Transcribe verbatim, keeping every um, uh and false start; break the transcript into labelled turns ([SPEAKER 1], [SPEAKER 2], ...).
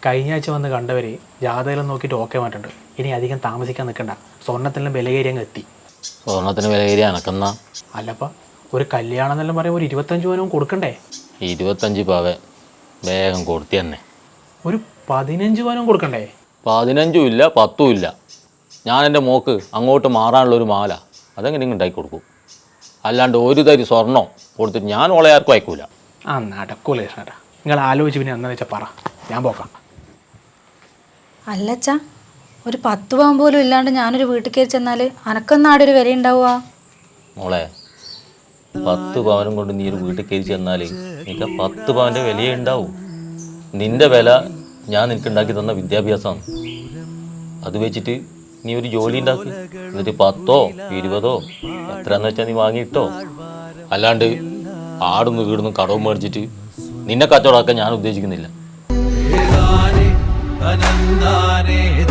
[SPEAKER 1] കഴിഞ്ഞ ആഴ്ച വന്ന് കണ്ടവർ ജാതകം നോക്കിയിട്ട് ഓക്കെ മാറ്റുണ്ട്. ഇനി അധികം താമസിക്കാൻ നിൽക്കണ്ട, സ്വർണ്ണത്തിലും വില കയറി അങ്ങ് എത്തി.
[SPEAKER 2] സ്വർണ്ണത്തിന് വില കയറി അനക്കെന്നാ?
[SPEAKER 1] അല്ലപ്പ ഒരു കല്യാണം എന്നെല്ലാം പറയുമ്പോൾ ഒരു ഇരുപത്തഞ്ച് പവനും കൊടുക്കണ്ടേ?
[SPEAKER 2] ഇരുപത്തഞ്ച് പവൻ വേഗം കൊടുത്തി തന്നെ.
[SPEAKER 1] ഒരു പതിനഞ്ച് പവനും കൊടുക്കണ്ടേ?
[SPEAKER 2] പതിനഞ്ചും ഇല്ല പത്തും ഇല്ല. ഞാൻ എൻ്റെ മോക്ക് അങ്ങോട്ട് മാറാനുള്ളൊരു മാല അതെങ്ങനെ ഉണ്ടാക്കി കൊടുക്കും. അല്ലാണ്ട് ഒരു തരി സ്വർണ്ണം കൊടുത്തിട്ട് ഞാൻ ഓളെ ആർക്കും അയക്കൂല.
[SPEAKER 1] ആ നടക്കൂല കൃഷ്ണേട്ടാ, നിങ്ങൾ ആലോചിച്ച് പിന്നെ എന്താണെന്ന് വെച്ചാൽ പറ, ഞാൻ പോക്കാം.
[SPEAKER 3] അല്ലച്ചാ, ഒരു പത്ത് പവൻ പോലും ഇല്ലാണ്ട് ഞാനൊരു വീട്ടിൽ കയറി ചെന്നാൽ അനക്കൊന്നാടെ ഒരു വില ഉണ്ടാവുക?
[SPEAKER 2] മോളെ, പത്ത് പവനും കൊണ്ട് നീ ഒരു വീട്ടിൽ കയറി ചെന്നാൽ നിനക്ക് പത്ത് പവൻ്റെ വിലയേ ഉണ്ടാവും. നിൻ്റെ വില ഞാൻ നിനക്ക് ഉണ്ടാക്കി തന്ന വിദ്യാഭ്യാസമാണ്. അത് വെച്ചിട്ട് നീ ഒരു ജോലി ഉണ്ടാക്കി എന്നിട്ട് പത്തോ ഇരുപതോ എത്രയാന്ന് വെച്ചാൽ നീ വാങ്ങിയിട്ടോ. അല്ലാണ്ട് ആടുന്നു വീടുന്നു കടവും മേടിച്ചിട്ട് നിന്നെ കച്ചവടമാക്കാൻ ഞാൻ ഉദ്ദേശിക്കുന്നില്ല.